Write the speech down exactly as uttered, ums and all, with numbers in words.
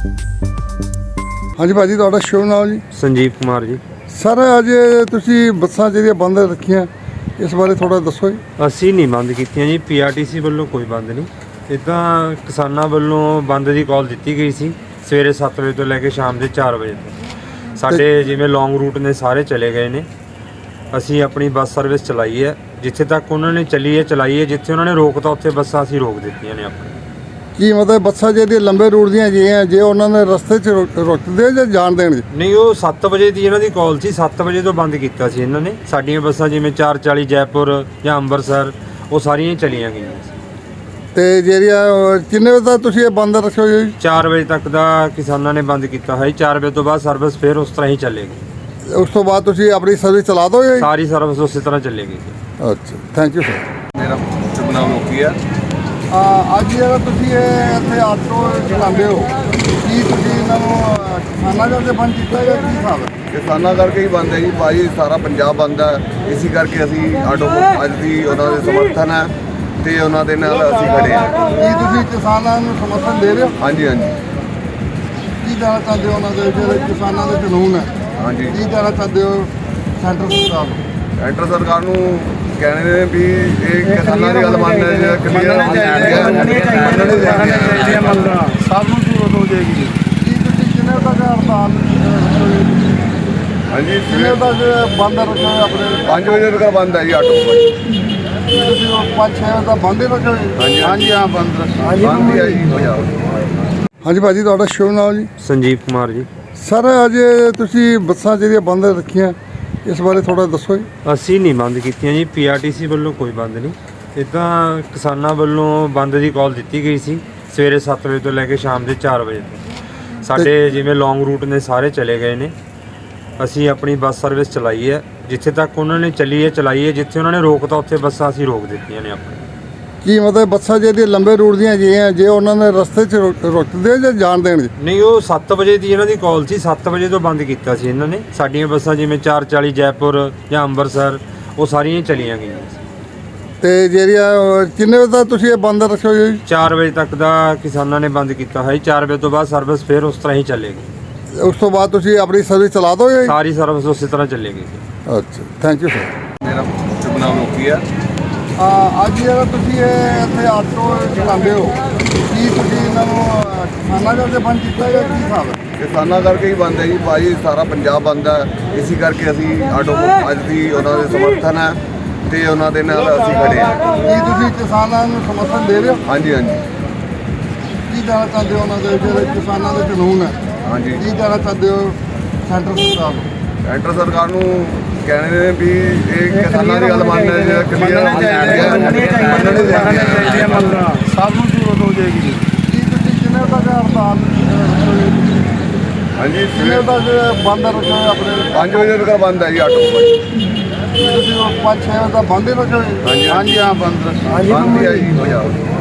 ਹਾਂਜੀ ਭਾਜੀ, ਤੁਹਾਡਾ ਸ਼ੁਭ ਨਾਮ ਜੀ? ਸੰਜੀਵ ਕੁਮਾਰ ਜੀ। ਸਰ, ਅੱਜ ਤੁਸੀਂ ਬੱਸਾਂ ਜਿਹੜੀਆਂ ਬੰਦ ਰੱਖੀਆਂ, ਇਸ ਬਾਰੇ ਥੋੜਾ ਦੱਸੋ ਜੀ। ਅਸੀਂ ਨਹੀਂ ਬੰਦ ਕੀਤੀਆਂ ਜੀ, ਪੀਆਰਟੀਸੀ ਵੱਲੋਂ ਕੋਈ ਬੰਦ ਨਹੀਂ। ਇੱਦਾਂ ਕਿਸਾਨਾਂ ਵੱਲੋਂ ਬੰਦ ਦੀ ਕਾਲ ਦਿੱਤੀ ਗਈ ਸੀ ਸਵੇਰੇ ਸੱਤ ਵਜੇ ਤੋਂ ਲੈ ਕੇ ਸ਼ਾਮ ਦੇ ਚਾਰ ਵਜੇ ਤੱਕ। ਸਾਡੇ ਜਿਵੇਂ ਲੌਂਗ ਰੂਟ ਨੇ ਸਾਰੇ ਚਲੇ ਗਏ ਨੇ। ਅਸੀਂ ਆਪਣੀ ਬੱਸ ਸਰਵਿਸ ਚਲਾਈ ਹੈ, ਜਿੱਥੇ ਤੱਕ ਉਹਨਾਂ ਨੇ ਚੱਲੀ ਹੈ ਚਲਾਈ ਹੈ। ਜਿੱਥੇ ਉਹਨਾਂ ਨੇ ਰੋਕਤਾ ਉੱਥੇ ਬੱਸਾਂ ਅਸੀਂ ਰੋਕ ਦਿੱਤੀਆਂ ਨੇ ਆਪਣੀ। ਕੀ ਮਤਲਬ ਬੱਸਾਂ ਜਿਹੜੀਆਂ ਲੰਬੇ ਰੂਟ ਦੀਆਂ ਜਿਹੀਆਂ, ਜੇ ਉਹਨਾਂ ਨੇ ਰਸਤੇ 'ਚ ਰੁਕ- ਰੁਕਦੇ ਜਾਂ ਜਾਣ ਦੇਣਗੇ? ਨਹੀਂ, ਉਹ ਸੱਤ ਵਜੇ ਦੀ ਇਹਨਾਂ ਦੀ ਕਾਲ ਸੀ, ਸੱਤ ਵਜੇ ਤੋਂ ਬੰਦ ਕੀਤਾ ਸੀ ਇਹਨਾਂ ਨੇ। ਸਾਡੀਆਂ ਬੱਸਾਂ ਜਿਵੇਂ ਚਾਰ ਚਾਲੀ ਜੈਪੁਰ ਜਾਂ ਅੰਮ੍ਰਿਤਸਰ, ਉਹ ਸਾਰੀਆਂ ਹੀ ਚਲੀਆਂ ਗਈਆਂ ਸੀ। ਤੇ ਜਿਹੜੀਆਂ ਅਹ, ਕਿੰਨੇ ਵਜੇ ਤੱਕ ਤੁਸੀਂ ਇਹ ਬੰਦ ਰੱਖੋਗੇ ਜੀ? ਚਾਰ ਵਜੇ ਤੱਕ ਦਾ ਕਿਸਾਨਾਂ ਨੇ ਬੰਦ ਕੀਤਾ ਹੈ। ਚਾਰ ਵਜੇ ਤੋਂ ਬਾਅਦ ਸਰਵਿਸ ਫਿਰ ਉਸ ਤਰ੍ਹਾਂ ਹੀ ਚੱਲੇਗੀ। ਉਸ ਤੋਂ ਬਾਅਦ ਤੁਸੀਂ ਆਪਣੀ ਸਰਵਿਸ ਚਲਾ ਦੋਗੇ ਜੀ? ਸਾਰੀ ਸਰਵਿਸ ਉਸੇ ਤਰ੍ਹਾਂ ਚੱਲੇਗੀ। ਅੱਛਾ, ਥੈਂਕ ਯੂ ਸਰ। ਮੇਰਾ ਸ਼ੁਭ ਨਾਮ ਲੋਕੀ ਆ। ਅੱਜ ਜਿਹੜਾ ਤੁਸੀਂ ਇਹ ਇੱਥੇ ਆਟੋ ਚਲਾਉਂਦੇ ਹੋ, ਕੀ ਤੁਸੀਂ ਇਹਨਾਂ ਨੂੰ ਅਹ, ਕਿਸਾਨਾਂ ਕਰਕੇ ਬੰਦ ਕੀਤਾ ਜਾਂ ਕੀ ਹਿਸਾਬ ਹੈ? ਕਿਸਾਨਾਂ ਕਰਕੇ ਹੀ ਬੰਦ ਹੈ ਜੀ ਭਾਈ, ਸਾਰਾ ਪੰਜਾਬ ਬੰਦ ਹੈ। ਇਸੇ ਕਰਕੇ ਅਸੀਂ ਆਟੋ ਅੱਜ ਦੀ ਉਹਨਾਂ ਦੇ ਸਮਰਥਨ ਹੈ ਤੇ ਉਹਨਾਂ ਦੇ ਨਾਲ ਅਸੀਂ ਖੜੇ ਹਾਂ। ਕੀ ਤੁਸੀਂ ਕਿਸਾਨਾਂ ਨੂੰ ਸਮਰਥਨ ਦੇ ਰਹੇ ਹੋ? ਹਾਂਜੀ ਹਾਂਜੀ ਕੀ ਕਹਿਣਾ ਚਾਹੁੰਦੇ ਹੋ ਉਹਨਾਂ ਦੇ ਜਿਹੜੇ ਕਿਸਾਨਾਂ ਦੇ ਕਾਨੂੰਨ ਹੈ? ਹਾਂਜੀ ਕੀ ਕਹਿਣਾ ਚਾਹੁੰਦੇ ਹੋ ਸੈਂਟਰ ਸਰਕਾਰ ਨੂੰ? ਸੈਂਟਰ ਸਰਕਾਰ ਨੂੰ ਕਹਿਣੇ ਨੇ ਵੀ ਇਹ ਕਿਸਾਨਾਂ ਦੀ ਗੱਲ ਮੰਨਣਾ ਜਿਹੜਾ ਕਲੀਅਰ ਸਭ ਨੂੰ ਜ਼ਰੂਰਤ ਹੋ ਜਾਏਗੀ। ਕੀ ਤੁਸੀਂ ਕਿੰਨੇ ਤੱਕ ਹੜਤਾਲ ਰੱਖੋਗੇ? ਹਾਂਜੀ ਕਿੰਨੇ ਤੱਕ ਬੰਦ ਰੱਖੋਗੇ ਆਪਣੇ? ਪੰਜ ਵਜੇ ਤੱਕ ਬੰਦ ਹੈ ਜੀ ਆਟੋ। ਕੀ ਤੁਸੀਂ ਉਹ ਪੰਜ ਛੇ ਵਜੇ ਤੱਕ ਬੰਦ ਹੀ ਰੱਖੋਗੇ? ਹਾਂਜੀ ਹਾਂਜੀ, ਹਾਂ, ਬੰਦ ਰੱਖੋ। ਬੰਦ ਹੀ ਹੈ ਜੀ ਪੰਜਾਬ। ਹਾਂਜੀ ਭਾਜੀ, ਤੁਹਾਡਾ ਸ਼ੁਭ ਨਾਮ ਜੀ? ਸੰਜੀਵ ਕੁਮਾਰ ਜੀ। ਸਰ, ਅੱਜ ਤੁਸੀਂ ਬੱਸਾਂ ਜਿਹੜੀਆਂ ਬੰਦ ਰੱਖੀਆਂ, ਇਸ ਬਾਰੇ ਥੋੜਾ ਦੱਸੋ ਜੀ। ਅਸੀਂ ਨਹੀਂ ਬੰਦ ਕੀਤੀਆਂ ਜੀ, ਪੀਆਰਟੀਸੀ ਵੱਲੋਂ ਕੋਈ ਬੰਦ ਨਹੀਂ। ਇੱਦਾਂ ਕਿਸਾਨਾਂ ਵੱਲੋਂ ਬੰਦ ਦੀ ਕਾਲ ਦਿੱਤੀ ਗਈ ਸੀ ਸਵੇਰੇ ਸੱਤ ਵਜੇ ਤੋਂ ਲੈ ਕੇ ਸ਼ਾਮ ਦੇ ਚਾਰ ਵਜੇ ਤੱਕ। ਸਾਡੇ ਜਿਵੇਂ ਲੌਂਗ ਰੂਟ ਨੇ ਸਾਰੇ ਚਲੇ ਗਏ ਨੇ। ਅਸੀਂ ਆਪਣੀ ਬੱਸ ਸਰਵਿਸ ਚਲਾਈ ਹੈ, ਜਿੱਥੇ ਤੱਕ ਉਹਨਾਂ ਨੇ ਚੱਲੀ ਹੈ ਚਲਾਈ ਹੈ। ਜਿੱਥੇ ਉਹਨਾਂ ਨੇ ਰੋਕਤਾ ਉੱਥੇ ਬੱਸਾਂ ਅਸੀਂ ਰੋਕ ਦਿੱਤੀਆਂ ਨੇ ਆਪਣੀ। ਕੀ ਮਤਲਬ ਬੱਸਾਂ ਜਿਹੜੀਆਂ ਲੰਬੇ ਰੂਟ ਦੀਆਂ ਜਿਹੀਆਂ, ਜੇ ਉਹਨਾਂ ਨੇ ਰਸਤੇ 'ਚ ਰੁਕ- ਰੁਕਦੇ ਜਾਂ ਜਾਣ ਦੇਣਗੇ? ਨਹੀਂ, ਉਹ ਸੱਤ ਵਜੇ ਦੀ ਇਹਨਾਂ ਦੀ ਕਾਲ ਸੀ, ਸੱਤ ਵਜੇ ਤੋਂ ਬੰਦ ਕੀਤਾ ਸੀ ਇਹਨਾਂ ਨੇ। ਸਾਡੀਆਂ ਬੱਸਾਂ ਜਿਵੇਂ ਚਾਰ ਚਾਲੀ ਜੈਪੁਰ ਜਾਂ ਅੰਮ੍ਰਿਤਸਰ, ਉਹ ਸਾਰੀਆਂ ਹੀ ਚਲੀਆਂ ਗਈਆਂ ਸੀ। ਤੇ ਜਿਹੜੀਆਂ ਅਹ, ਕਿੰਨੇ ਵਜੇ ਤੱਕ ਤੁਸੀਂ ਇਹ ਬੰਦ ਰੱਖੋਗੇ ਜੀ? ਚਾਰ ਵਜੇ ਤੱਕ ਦਾ ਕਿਸਾਨਾਂ ਨੇ ਬੰਦ ਕੀਤਾ ਹੈ। ਚਾਰ ਵਜੇ ਤੋਂ ਬਾਅਦ ਸਰਵਿਸ ਫਿਰ ਉਸ ਤਰ੍ਹਾਂ ਹੀ ਚੱਲੇਗੀ। ਉਸ ਤੋਂ ਬਾਅਦ ਤੁਸੀਂ ਆਪਣੀ ਸਰਵਿਸ ਚਲਾ ਦੋਗੇ ਜੀ? ਸਾਰੀ ਸਰਵਿਸ ਉਸੇ ਤਰ੍ਹਾਂ ਚੱਲੇਗੀ। ਅੱਛਾ, ਥੈਂਕ ਯੂ ਸਰ। ਮੇਰਾ ਸ਼ੁਭ ਨਾਮ ਲੋਕੀ ਆ। ਅੱਜ ਜਿਹੜਾ ਤੁਸੀਂ ਇਹ ਇੱਥੇ ਆਟੋ ਚਲਾਉਂਦੇ ਹੋ, ਕੀ ਤੁਸੀਂ ਇਹਨਾਂ ਨੂੰ ਅਹ, ਕਿਸਾਨਾਂ ਕਰਕੇ ਬੰਦ ਕੀਤਾ ਜਾਂ ਕੀ ਹਿਸਾਬ ਹੈ? ਕਿਸਾਨਾਂ ਕਰਕੇ ਹੀ ਬੰਦ ਹੈ ਜੀ ਭਾਈ, ਸਾਰਾ ਪੰਜਾਬ ਬੰਦ ਹੈ। ਇਸੇ ਕਰਕੇ ਅਸੀਂ ਆਟੋ ਅੱਜ ਦੀ ਉਹਨਾਂ ਦੇ ਸਮਰਥਨ ਹੈ ਤੇ ਉਹਨਾਂ ਦੇ ਨਾਲ ਅਸੀਂ ਖੜੇ ਹਾਂ। ਕੀ ਤੁਸੀਂ ਕਿਸਾਨਾਂ ਨੂੰ ਸਮਰਥਨ ਦੇ ਰਹੇ ਹੋ? ਹਾਂਜੀ ਹਾਂਜੀ ਕੀ ਕਹਿਣਾ ਚਾਹੁੰਦੇ ਹੋ ਉਹਨਾਂ ਦੇ ਜਿਹੜੇ ਕਿਸਾਨਾਂ ਦੇ ਕਾਨੂੰਨ ਹੈ? ਹਾਂਜੀ ਕੀ ਕਹਿਣਾ ਚਾਹੁੰਦੇ ਹੋ ਸੈਂਟਰ ਸਰਕਾਰ ਨੂੰ? ਸੈਂਟਰ ਸਰਕਾਰ ਨੂੰ ਕਹਿਣੇ ਨੇ ਵੀ ਇਹ ਕਿਸਾਨਾਂ ਦੀ ਗੱਲ ਮੰਨਣਾ ਜਿਹੜਾ ਕਲੀਅਰ ਸਭ ਨੂੰ ਜ਼ਰੂਰਤ ਹੋ ਜਾਏਗੀ। ਕੀ ਤੁਸੀਂ ਕਿੰਨੇ ਤੱਕ ਹੜਤਾਲ ਰੱਖੋਗੇ? ਹਾਂਜੀ ਕਿੰਨੇ ਤੱਕ ਬੰਦ ਰੱਖੋਗੇ ਆਪਣੇ? ਪੰਜ ਵਜੇ ਤੱਕ ਬੰਦ ਹੈ ਜੀ ਆਟੋ। ਕੀ ਤੁਸੀਂ ਉਹ ਪੰਜ ਛੇ ਵਜੇ ਤੱਕ ਬੰਦ ਹੀ ਰੱਖੋਗੇ? ਹਾਂਜੀ ਹਾਂਜੀ, ਹਾਂ, ਬੰਦ ਰੱਖੋ। ਬੰਦ ਹੀ ਹੈ ਜੀ ਪੰਜਾਬ।